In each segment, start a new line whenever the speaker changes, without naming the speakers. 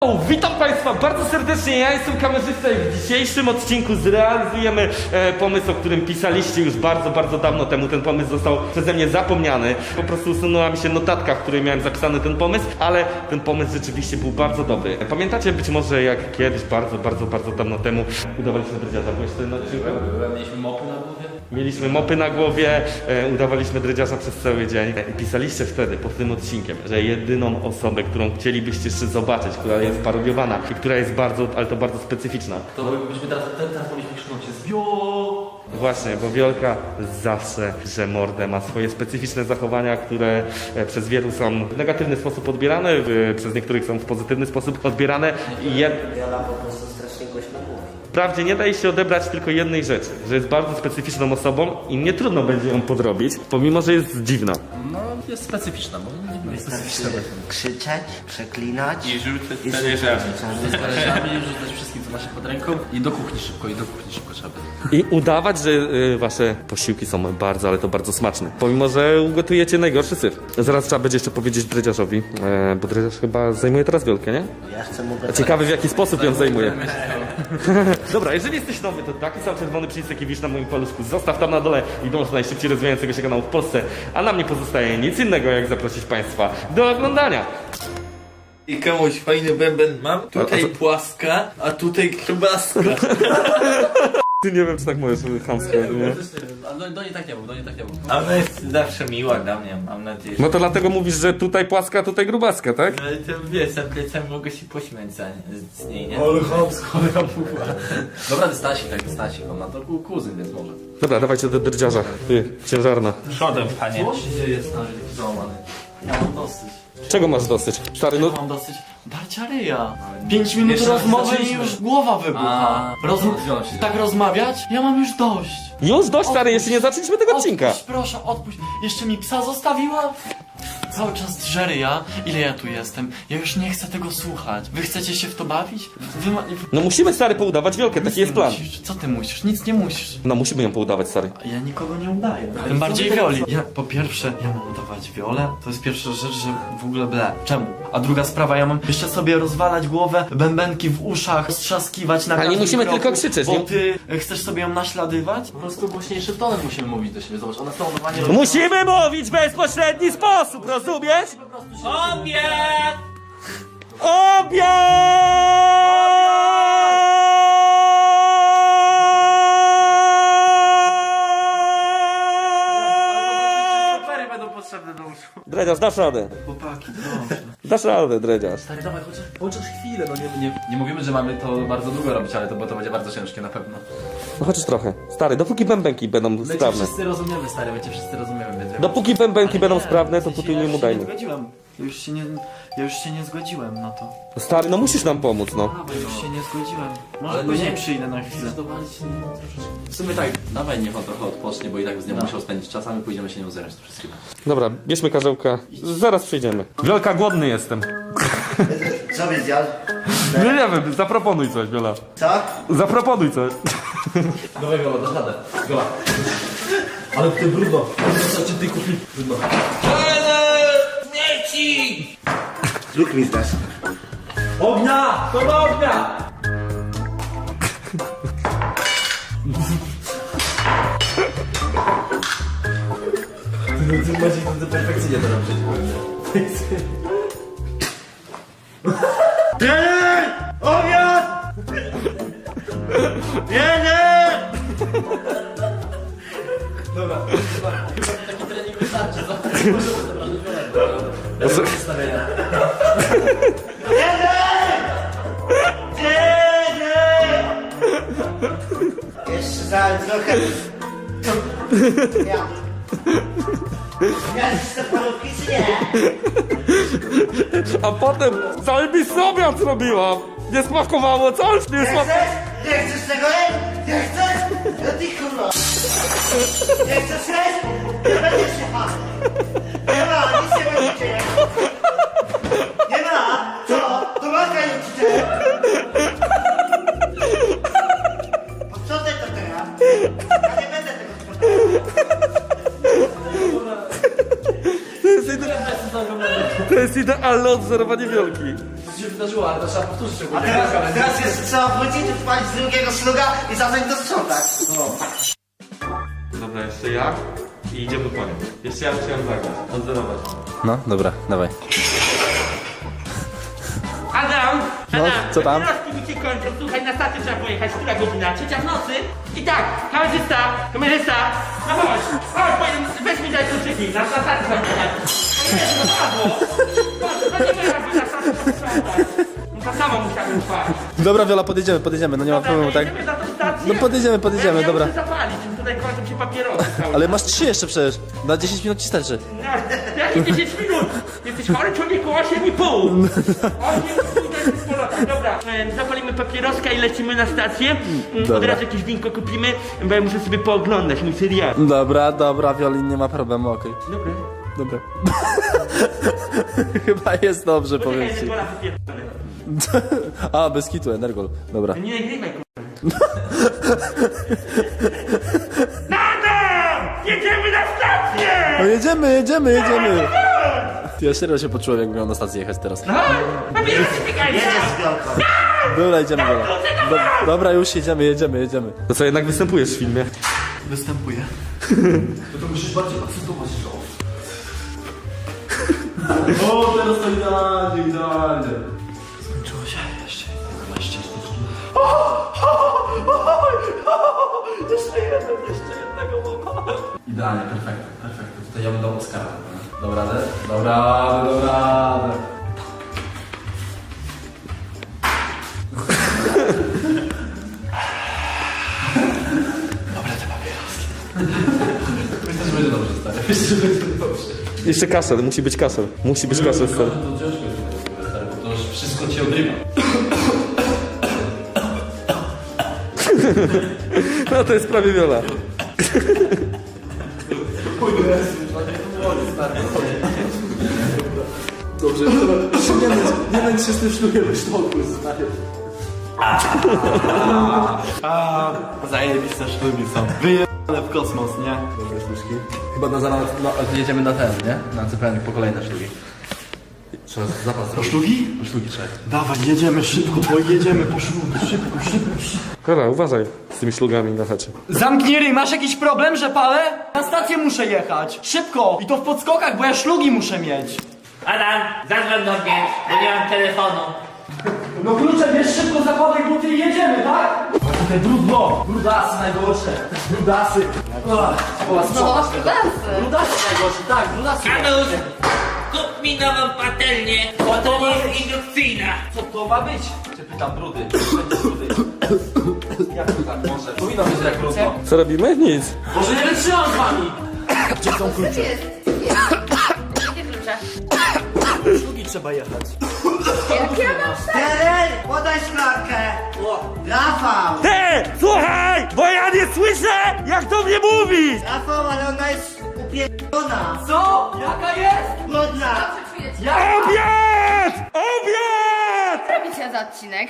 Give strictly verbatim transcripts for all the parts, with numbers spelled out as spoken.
Witam Państwa bardzo serdecznie, ja jestem kamerzysta i w dzisiejszym odcinku zrealizujemy e, pomysł, o którym pisaliście już bardzo, bardzo dawno temu. Ten pomysł został przeze mnie zapomniany. Po prostu usunęła mi się notatka, w której miałem zapisany ten pomysł, ale ten pomysł rzeczywiście był bardzo dobry. Pamiętacie być może jak kiedyś, bardzo, bardzo, bardzo dawno temu udawaliśmy dredziarza, byłeś wtedy na odcinku?
Mieliśmy mopy na głowie?
Mieliśmy mopy na głowie, e, udawaliśmy dredziarza przez cały dzień. E, pisaliście wtedy pod tym odcinkiem, że jedyną osobę, którą chcielibyście jeszcze zobaczyć, która jest parodiowana i która jest bardzo, ale to bardzo specyficzna.
To byśmy teraz, teraz powinniśmy krzyczeć się zbio.
Właśnie, bo Wiolka zawsze drze mordę, ma swoje specyficzne zachowania, które e, przez wielu są w negatywny sposób odbierane, e, przez niektórych są w pozytywny sposób odbierane i je...
Wiola po prostu strasznie głośno mówi.
Wprawdzie nie daje się odebrać tylko jednej rzeczy, że jest bardzo specyficzną osobą i nie trudno będzie ją podrobić, pomimo że jest dziwna.
No, jest specyficzna, bo nie jest specyficzna.
Krzyczeć, przeklinać
I rzucać
i
talerzami.
rzucać.
Z talerzami, rzucać wszystkim, co ma się pod ręką. I do kuchni szybko, i do kuchni szybko trzeba.
I udawać, że y, wasze posiłki są bardzo, ale to bardzo smaczne. Pomimo, że ugotujecie najgorszy syf. Zaraz trzeba będzie jeszcze powiedzieć dredziarzowi, e, bo dredziarz chyba zajmuje teraz Wiolkę, nie?
Ja chcę mu
A ciekawy w jaki sposób ją zajmuje. Dobra, jeżeli jesteś nowy, to taki sam czerwony przycisk, jaki widzisz na moim paluszku, zostaw tam na dole i dąż do najszybciej rozwijającego się kanału w Polsce, a nam nie pozostaje nic innego, jak zaprosić Państwa do oglądania.
I komuś fajny bęben mam, tutaj
A- a co-
płaska, a tutaj kiełbaska.
Ty nie wiem, czy tak możesz chamsko, nie?
A do, do niej tak nie mów, do niej tak nie mów.
A ona jest zawsze miła dla mnie, mam nadzieję.
No to dlatego mówisz, że tutaj płaska, tutaj grubaska, tak?
No ale to wiesz, za plecami mogę się pośmiać za, z niej, nie?
Ale chamsko, ale champuła. Dobra, Stasi, tak, Stasi, on ma to ku- kuzyn, więc może.
Dobra, dawajcie do dredziarza. Ty, ciężarna.
Przodem, panie.
Co się dzieje, stary, taki załamany? Ja mam dosyć.
Czego masz dosyć? Stary, no...
Mam dosyć darcia ryja. Pięć minut
Jeszcze
rozmowy i
zaczęliśmy.
już głowa wybucha.
A,
Rozum...
związek się
Tak rozmawiać? Ja mam już dość.
Już dość, stary, jeszcze nie zaczęliśmy tego odcinka.
Odpuść, proszę, odpuść. Jeszcze mi psa zostawiła? Cały czas drze ryja. Ile ja tu jestem? Ja już nie chcę tego słuchać. Wy chcecie się w to bawić? Wy ma...
No musimy, stary, poudawać Wiolkę,
Nic
taki jest
nie
plan.
Musisz. Co ty musisz? Nic nie musisz.
No musimy ją poudawać, stary.
A ja nikogo nie udaję. Tym bardziej Wioli. Ja, po pierwsze, ja mam udawać Wiolę. To jest pierwsza rzecz, że w ogóle ble. Czemu? A druga sprawa, ja mam jeszcze sobie rozwalać głowę, bębenki w uszach, strzaskiwać na
Ale nie
każdym
musimy
kroku,
tylko krzyczeć,
Bo
nie?
ty e, chcesz sobie ją naśladywać? Po prostu głośniejszym tonem musimy mówić do siebie. Zobacz, ona stołowanie robi.
Musimy mówić w bezpośredni sposób, rozumiesz?
Obiad!
Obiad!
Papery będą potrzebne do uszu.
Dredziarz, dasz radę.
Chłopaki, dobrze.
Dasz radę, dredziarz.
Stary, dawaj, chociaż, chociaż chwilę, no nie, nie, nie mówimy, że mamy to bardzo długo robić, ale to, bo to będzie bardzo ciężkie na pewno.
No chociaż trochę. Stary, dopóki bębenki będą
My cię
sprawne.
wszyscy rozumiemy, stary, my cię wszyscy rozumiemy. Więc
Dopóki bębenki będą
nie,
sprawne, to
w sensie
tutaj
ja
nie
już
mu
się
dajmy.
nie zgodziłem. Ja już się nie, ja już się nie zgodziłem na to.
Stary, no musisz nam pomóc, no.
Ja już się nie zgodziłem. Może
Ale
później
nie-
przyjdę na chwilę.
W sumie tak, dawaj niech on trochę odpocznie, bo i tak z nią musiał spędzić czas, a my pójdziemy się nią zerać to wszystkiego.
Dobra, bierzmy karzełka. Zaraz przyjdziemy. Wielka, głodny jestem.
Co byś zjadł?
Nie, nie wiem, zaproponuj coś, Wiola.
Co?
Zaproponuj coś.
Dawaj Gola, dasz radę. Gola.
Ale ty brudno. Co ci ty kupi? Brudno.
Śmieci!
Luk mi zdasz.
Ognia! To do ognia! Ty macie to perfekcyjnie to robić.
Trener! Obiad! Trener!
Dobra, chyba, chyba taki trening wystarczy, co? Możemy zabrać wiele. Ustawienia.
Trener! Trener! Jeszcze za trochę. Ja. Ja jeszcze parówki czy nie?
A potem cały mi obiad zrobiła. Nie smakowało, coś nie
Nie
smakowało.
chcesz? Nie chcesz tego jeść? Nie chcesz? No ty kurwa! Nie chcesz jeść? Nie będziesz się ha! Nie ma, nic nie będziecie jeść! Nie ma! Co? To matka nie ćwiczy! Posprzątaj to teraz! Ja nie będę tego sprzątał!
To jest, ide... to jest idealne odwzorowanie Wiolki.
co się wydarzyło, ale to trzeba powtórzyć.
A teraz, teraz jeszcze trzeba wrócić, odpalić drugiego szluga i zacząć to sprzątać.
Dobra, jeszcze ja i idziemy po nie. Jeszcze ja musiałem zagrać, odzerować.
No, dobra, dawaj.
Adam!
No,
Adam!
co tam?
Papieroski mi się kończą, słuchaj, na stację trzeba pojechać, która godzina? Trzecia w nocy? I tak, kamerzysta, kamerzysta, no chodź, chodź, powiem, weź mi daj kluczyki, na stację trzeba pojechać. No nie, to padło! Chodź, to nie moja wina, stację trzeba sprzątać. No to samo musiałem spać.
Dobra, Wiola, podjedziemy, podjedziemy, no nie ma
Dobra,
problemu,
to
tak?
jedziemy na tą stację?
No podjedziemy, podjedziemy,
ja, ja
dobra.
muszę zapalić, tutaj kończą się papierosy całe.
Ale masz trzy jeszcze przecież. Na dziesięć minut ci starczy.
No, jakie dziesięć minut? Jesteś chory człowieku, osiem i pół. osiem i pół to jest polota. Dobra, e, zapalimy papieroska i lecimy na stację. Mm, Od
Dobra.
razu jakieś winko kupimy, bo ja muszę sobie pooglądać mój serial.
Dobra, dobra, Wiolin, nie ma problemu, okej.
Dobra.
Dobra. Chyba jest dobrze, powiem
Poczekaj,
ci.
Energola wypierdolę.
A, bez kitu, Energol. Dobra.
Nie nagrywaj, kurwa. Nadam! Jedziemy na stację!
No jedziemy, jedziemy, jedziemy. Ja serio się poczułem, jak miał na stację jechać teraz.
No, papierosy piekarnia!
Jedziesz z Wiolką.
Dobra, idziemy, Wiola. Do, dobra, już jedziemy, jedziemy, jedziemy.
To co, jednak występujesz w filmie?
Występuję. No to musisz bardziej akcentować to.
O, teraz to idealnie, idealnie.
Skończyło się jeszcze. Jeszcze Jeszcze jeden, jeszcze jednego mama.
Idealnie, perfekto, perfekto. Tutaj ja bym dał Oscara.
Dobra, radę? Dobra, radę, dobra. radę.
Myślę, że będzie dobrze, stary. Myślę, że będzie dobrze.
Jeszcze kaszel, musi być kaszel. Musi być kaszel, stary.
To ciężko jest w ogóle, stary, bo to już wszystko ci odrywa.
No to jest prawie Wiola.
Dobrze, jeszcze nie męcz, nie męcz się z tym szlukiem w sztoku, stary.
Zajebiste szlugi są. Wyjebane w kosmos, nie?
Dobre szluczki.
Chyba na zaraz no, jedziemy na ten, nie? Na C P N po kolejne szlugi. Trzeba zapas
Po
zrobić.
szlugi?
Po szlugi trzeba.
Dawaj, jedziemy szybko, bo jedziemy po szlugi. Szybko, szybko, szybko.
Kola, uważaj z tymi szlugami na chacie.
Zamknij ryj, masz jakiś problem, że palę? Na stację muszę jechać. Szybko! I to w podskokach, bo ja szlugi muszę mieć.
Adam, zadzwoń do mnie, bo nie mam telefonu.
No klucze, wiesz, szybko zakładaj buty i jedziemy, tak? A tutaj brudno! Brudasy najgorsze! Brudasy! Ola, sprzątasz tego. Brudasy najgorsze, tak, brudasy.
Kanusz, kup mi nową patelnię, bo to nie jest indukcyjna.
Co to ma być? Cię pytam, brudy. Będzie brudy. Jak to tak może? Powinno być tak brudno.
Co robimy? Nic.
Może nie wytrzymam z wami! Gdzie są klucze?
Jakie klucze?
Szlugi trzeba jechać.
Jak ja mam
Teren, podaj szklankę. Rafał.
Ty! Słuchaj! Bo ja nie słyszę, jak do mnie mówisz!
Rafał, ale ona jest upierdolona.
Co? Jaka jest?
Brudna.
Dobrze czujecie?
Jak?
Obiad! Obiad!
Co robicie za odcinek?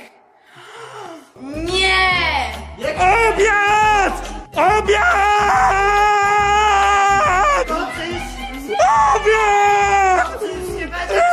Nie!
Obiad! Obiad!
To coś...
Obiad!
Nie będzie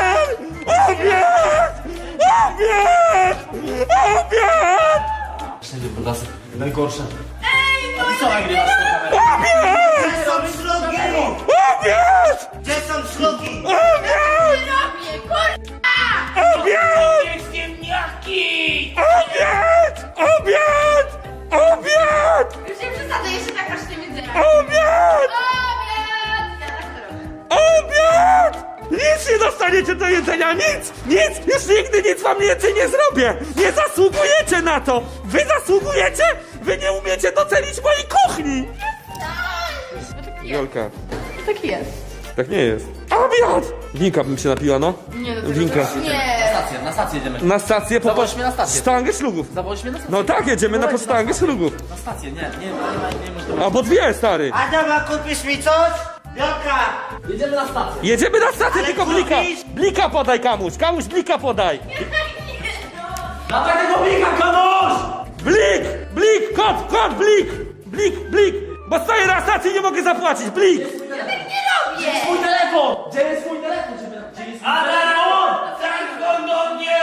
Obiad! Obiad! Obiad!
Wszędzie brudasy.
Najgorsze.
Co nagrywasz tą kamerę?
Gdzie są szlugi?
Obiad!
Gdzie są szlugi?
Obiad!
robię, kurwa!
Obiad!
Nie ziemniaki!
Obiad! Obiad! Obiad!
Już nie przesadzę, jeszcze tak masz nie widzę.
Obiad!
Obiad! Ja tak to robię.
Obiad! Nic nie dostaniecie do jedzenia, nic! Nic! Już nigdy nic wam więcej nie zrobię! Nie zasługujecie na to! Wy zasługujecie? Wy nie umiecie docenić mojej kuchni!
No taki jest.
Jolka,
Taki jest.
tak nie jest. Obiad! Winka bym się napiła, no.
Nie, do
Winka.
Nie.
Na stację, na stację jedziemy.
Na stację po
Zawoź mnie na stację.
sztangę szlugów.
Zawołać mnie na stację.
No tak, jedziemy na sztangę szlugów.
Na stację, nie, nie, nie, nie, nie można.
Albo dwie, stary.
Adam, a kupisz mi coś? Wiolka.
Jedziemy na stację.
Jedziemy na stację,
Ale
tylko blika.
kupisz?
Blika podaj kamuś, kamuś blika podaj.
Dawaj tego blika, kamuś!
Blik! Blik! Kot! Kot! Blik! Blik! Blik! Bo stoję na stacji i nie mogę zapłacić! Blik!
Ja tak nie robię!
Mój telefon! Gdzie jest mój telefon? Gdzie jest mój telefon?
Adam, zadzwoń do mnie!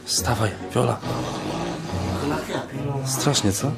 Wstawaj, Wiola. Strasznie, co?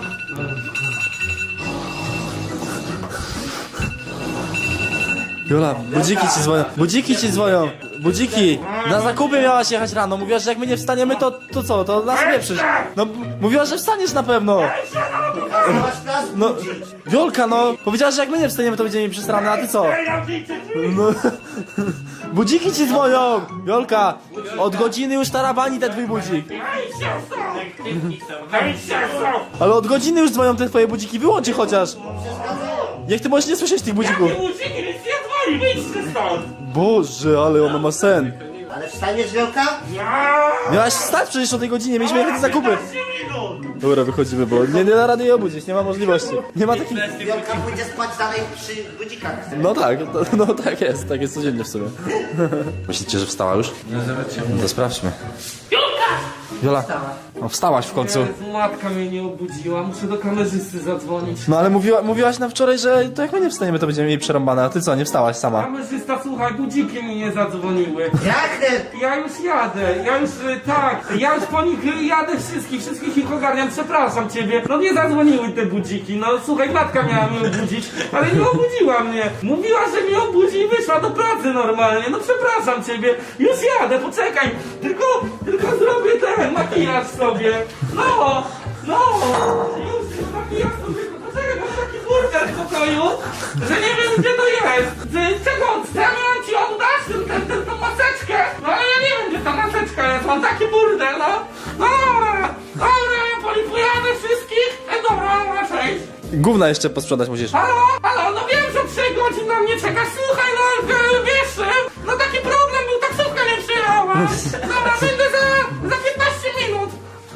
Wiola, budziki ci dzwonią, budziki ci dzwonią, budziki! Na zakupy miałaś jechać rano, mówiłaś, że jak my nie wstaniemy, to, to co, to nas pieprzysz. No, mówiłaś, że wstaniesz na pewno.
Kazałaś nas
No,
budzić.
Wiolka, no, powiedziałaś, że jak my nie wstaniemy, to będziemy mieli przesrane, a ty co? No, budziki ci dzwonią! Wiolka, od godziny już tarabani ten twój budzik. Ale od godziny już dzwonią te twoje budziki, wyłączy chociaż. Jak ty możesz nie słyszeć tych budzików?
Budziki, nic nie dzwoni, wyjdźcie stąd!
Boże, ale ona ma sen.
Ale wstaniesz, Wielka?
Miałaś wstać przecież o tej godzinie, mieliśmy jechać na zakupy.
piętnaście minut!
Dobra, wychodzimy, bo nie, nie da rady jej obudzić, nie ma możliwości. Nie ma takich...
Wielka pójdzie spać dalej przy budzikach.
No tak, to, no tak jest, tak jest codziennie w sumie. Myślicie, że wstała już? No to sprawdźmy. Wiola, no wstałaś w końcu.
Jezu, matka mnie nie obudziła, muszę do kamerzysty zadzwonić.
No ale mówiła, mówiłaś nam wczoraj, że to jak my nie wstaniemy, to będziemy mieli przerąbane, a ty co, nie wstałaś sama?
Kamerzysta, słuchaj, budziki mi nie zadzwoniły.
Jak ty?
Ja już jadę, ja już, y, tak, ja już po nich y, jadę wszystkich, wszystkich ich ogarniam, przepraszam ciebie. No nie zadzwoniły te budziki, no słuchaj, matka miała mnie obudzić, ale nie obudziła mnie. Mówiła, że mnie obudzi i wyszła do pracy normalnie, no przepraszam ciebie. Już jadę, poczekaj, tylko, tylko zrobię ten makijaż sobie. No, no, już makijaż sobie, poczekaj, bo mam taki burger w pokoju, że nie wiem gdzie to jest. Z czego, co ja miałem ci oddać, ten, ten, ten, tą maseczkę? No ale ja nie wiem gdzie ta maseczka jest, mam taki burdel, no. No dobra, dobra, ja polipujemy wszystkich. E, dobra, dobra, cześć.
Gówna jeszcze posprzątać musisz.
Halo, halo, no wiem, że trzy godziny na mnie czekasz, słuchaj, no e, wiesz, e, no taki problem był, taksówka nie przyjechała. Dobra, będę za, za piętnaście minut.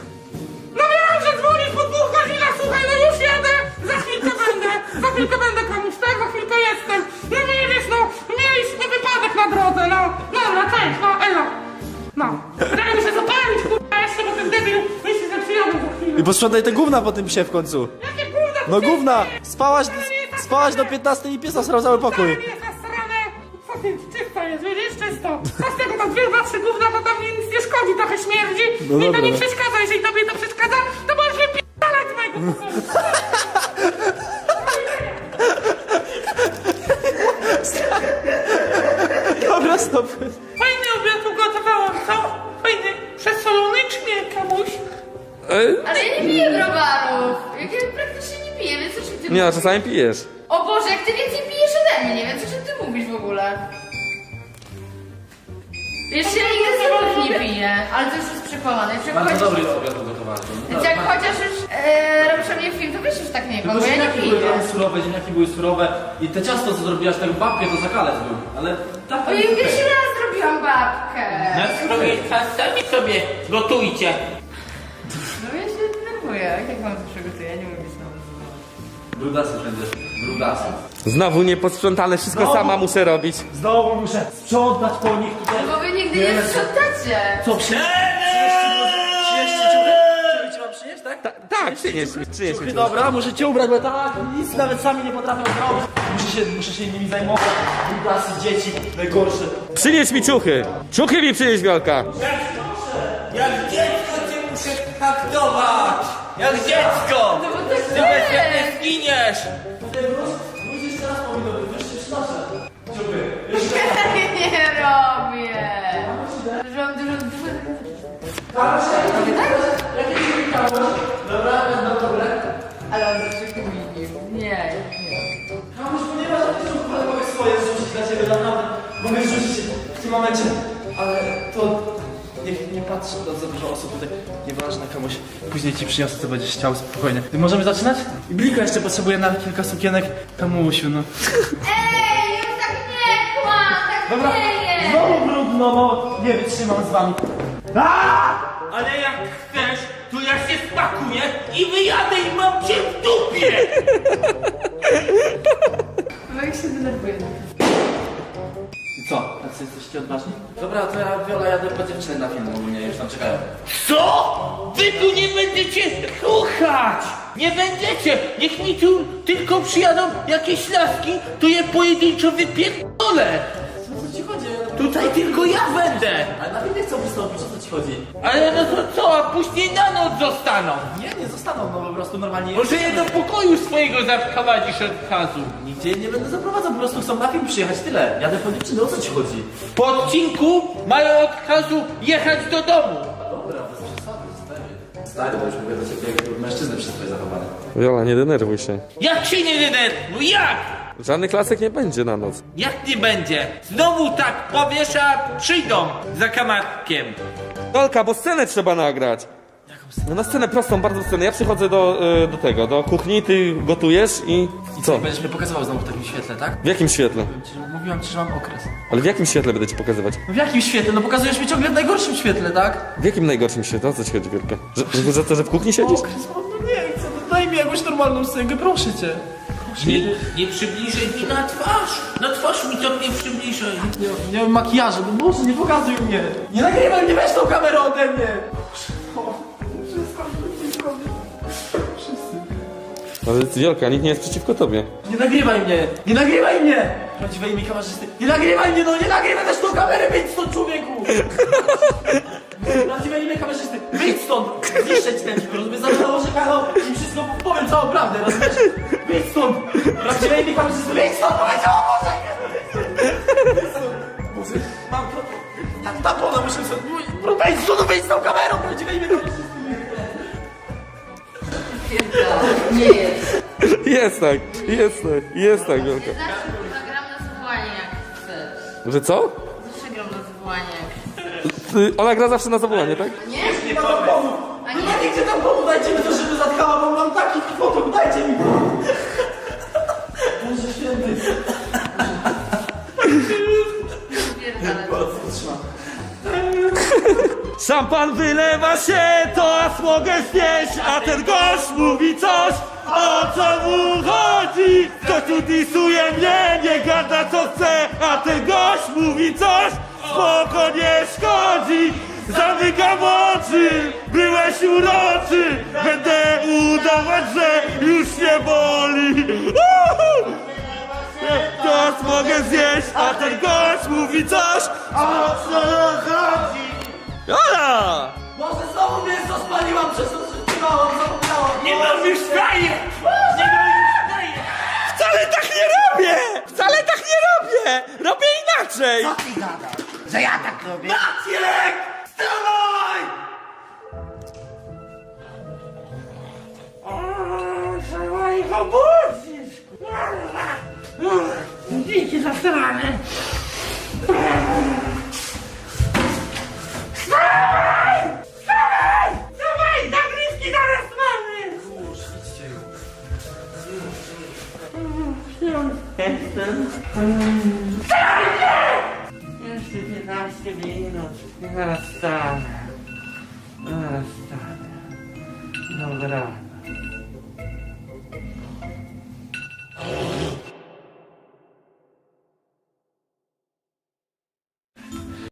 No wiem, że dzwonisz po dwóch godzinach, słuchaj, no już jadę, za chwilkę będę, za chwilkę będę komuś, tak, za chwilkę jestem. No widzisz, no, mieliśmy wypadek na drodze, no, no, no, cześć, no, elo. No, daj mi się zapalić, kurwa, jeszcze, bo ten debil myśli, że przyjadę za chwilę.
I posprzątaj te gówna po tym psie w końcu.
Jakie gówno,
No gówna! Spałaś, spałaś do piętnastej i pies nasrał cały pokój.
jest nasrane. Co ty, czysto jest, widzisz, czysto. A z tego tam dwie, dwa, trzy gówna, to tam nic nie szkodzi, trochę śmierdzi.
No
Mi to
dobra,
nie
no.
przeszkadza, jeżeli tobie to przeszkadza, to możesz wypierdalać z mojego pokoju.
Dobra, stop.
Fajny obiad ugotowałam, co? Fajny, przesolony czy nie, kamuś?
Ale ja nie piję browarów. Jak ja praktycznie nie piję, więc o czym ty
Nie, a
mówisz?
czasami pijesz.
O Boże, jak ty więcej pijesz ode mnie, więc o czym ty mówisz w ogóle? Wiesz, ja nigdy z tobą nie piję, ale to już jest przekłamane. Jak
Bardzo
chodzisz-
dobry jest obiad ugotowany.
Więc jak chociaż już e, robisz o mnie film, to wiesz już tak nie, bo ja nie
ziemniaki były
piję.
trochę surowe, ziemniaki były surowe i te ciasto co zrobiłaś, tak babkę to zakalec był, ale tak
Ojej, pierwszy raz zrobiłam babkę.
Na sobie, sami sobie gotujcie.
No ja się denerwuję, jak wam to przygotuję, nie mówię znowu.
Brudasy będziesz, brudasy.
Znowu nieposprzątane, wszystko sama muszę robić.
Znowu muszę sprzątać po nich tutaj.
No bo wy nigdy nie sprzątacie.
Co przy...
Ta, tak, przynieś mi, przynieś mi.
Dobra, muszę cię ubrać, bo ja tak nic nawet sami nie potrafią zrobić. Muszę się, muszę się nimi zajmować. Brudasy, dzieci, najgorsze.
Przynieś mi ciuchy. Ciuchy mi przynieś, Wiolka.
Jak dziecko cię muszę traktować! Jak dziecko!
No bo tak
Ty bez jak
jest.
nie zginiesz!
Nie robię. Dużo, dużo, dużo. Dobra, będą dobre. Ale on zawsze kminił. Nie, nie.
Kamuś, ponieważ ja też mogę swoje zrzucić dla ciebie, naprawdę. Mogę zrzucić w tym momencie, ale to... Niech nie patrzy na za dużo osób tutaj. Nieważne, komuś. Później ci przyniosę, co będziesz chciał, spokojnie. Możemy zaczynać? I Blika jeszcze potrzebuje na kilka sukienek. Kamusiu, no.
Ej, już tak nie kłam, tak
Dobra,
nie jest.
znowu brudno, bo nie wytrzymam z wami.
Ale jak chcesz, to ja się spakuję i wyjadę i mam cię w dupie!
Bo jak się denerwuje.
I co? Tacy jesteście odważni? Dobra, to ja, Wiola, jadę po dziewczyny na film ogólnie, już tam czekają.
Co? Wy tu nie będziecie słuchać! Nie będziecie! Niech mi tu tylko przyjadą jakieś laski, to je pojedynczo wypierdolę!
Co ci chodzi?
Tutaj tylko ja będę!
Ale na
nie chcą wystąpić, o co ci chodzi?
Ale no to co, a później na noc zostaną.
Nie, nie zostaną, no po prostu normalnie...
Może je do pokoju swojego zaprowadzisz od razu.
Nigdzie nie będę zaprowadzał, po prostu chcą na film przyjechać, tyle. Jadę po dziewczynę, o co ci chodzi?
Po odcinku mają od razu jechać do domu.
Dobra, bez przesady, stary. Stary, bo już mówię do ciebie jak mężczyznę przez twoje zachowanie.
Wiola, nie denerwuj się.
Jak się nie denerwuj, jak?
Żadnych klasek nie będzie na noc.
Jak nie będzie? Znowu tak powiesz, a przyjdą za kamarkiem.
Wiolka, bo scenę trzeba nagrać. No na scenę prostą, bardzo scenę. Ja przychodzę do, y, do tego, do kuchni, ty gotujesz i...
I
Co?
Będziesz mnie pokazywał znowu w takim świetle, tak?
W jakim świetle?
Mówiłem ci, że- Mówiłam ci, że mam okres.
Ale w jakim świetle będę ci pokazywać?
No w jakim świetle? No pokazujesz mi ciągle w najgorszym świetle, tak?
W jakim najgorszym świetle? O co ci chodzi, Wielka? Że, że, że to, że w kuchni siedzisz?
Okres, mam, no nie chcę, no daj mi jakąś normalną scenkę, proszę cię.
Nie, nie przybliżaj mi na twarz. Na twarz mi to nie przybliżaj.
Nie, nie mam makijażu, no Boże, nie pokazuj mnie. Nie nagrywaj mnie, weź tą kamerę ode mnie. O, wszystko, wszystko.
Ale Wielka, nikt nie jest przeciwko tobie.
Nie nagrywaj mnie! Nie nagrywaj mnie! Prawdziwej mi kamerzysty. Nie nagrywaj mnie, no nie nagrywaj też tą kamerę, wyjdź stąd, człowieku! Prawdziwej imię kamerzysty, wyjdź stąd! Zniszczę ci ten film, rozumiesz? Zaraz nałożę kanał i wszystko powiem całą prawdę, rozumiesz? Wyjdź stąd! Prawdziwej imię kamerzysty, wyjdź stąd! Powiedziałam, Boże! Wyjdź stąd! Boże, mam to... Tak, tapona muszę sobie... Wyjdź stąd, wyjdź z tą kamerą! Prawdziwej imię kamerzysty!
Nie jest.
Jest tak, jest tak, jest tak, Wielka.
Zawsze kurwa gram na zawołanie jak chcesz.
Że co?
Zawsze gram na zawołanie jak chcesz.
Ty, ona gra zawsze na zawołanie, tak?
Nie?
Nie ma tam pomóc!
A
Nie
nie?
ma nigdzie tam pomóc, dajcie mi to, żeby zatkała, bo mam taki fotok, dajcie mi! Boże święty!
Pierdolę.
Szampan wylewa się, to aż mogę znieść, a ten gość mówi coś, o co mu chodzi? Ktoś tu disuje mnie, nie gada co chce, a ten gość mówi coś, spoko nie szkodzi. Zamykam oczy, byłeś uroczy, będę udawać, że już nie boli. Uhu! To aż mogę zjeść, a ten gość mówi coś, o co chodzi? Ola!
Boże, znowu mięso spaliłam przez to, że trzymałam, zapomniałam!
Nie robisz fraje! Nie robisz fraje!
Wcale tak nie robię! Wcale tak nie robię! Robię inaczej!
Co ty gadasz? Że ja tak robię?
Maciek! Wstawaj!
Trzeba ich obudzić! Dzięki za stronę! Wstawaj! Wstawaj! Wstawaj! Zagrywki zaraz mamy! Jestem. Wstawajcie! Jeszcze piętnaście minut. Zaraz wstanę. Zaraz wstanę. Dobra.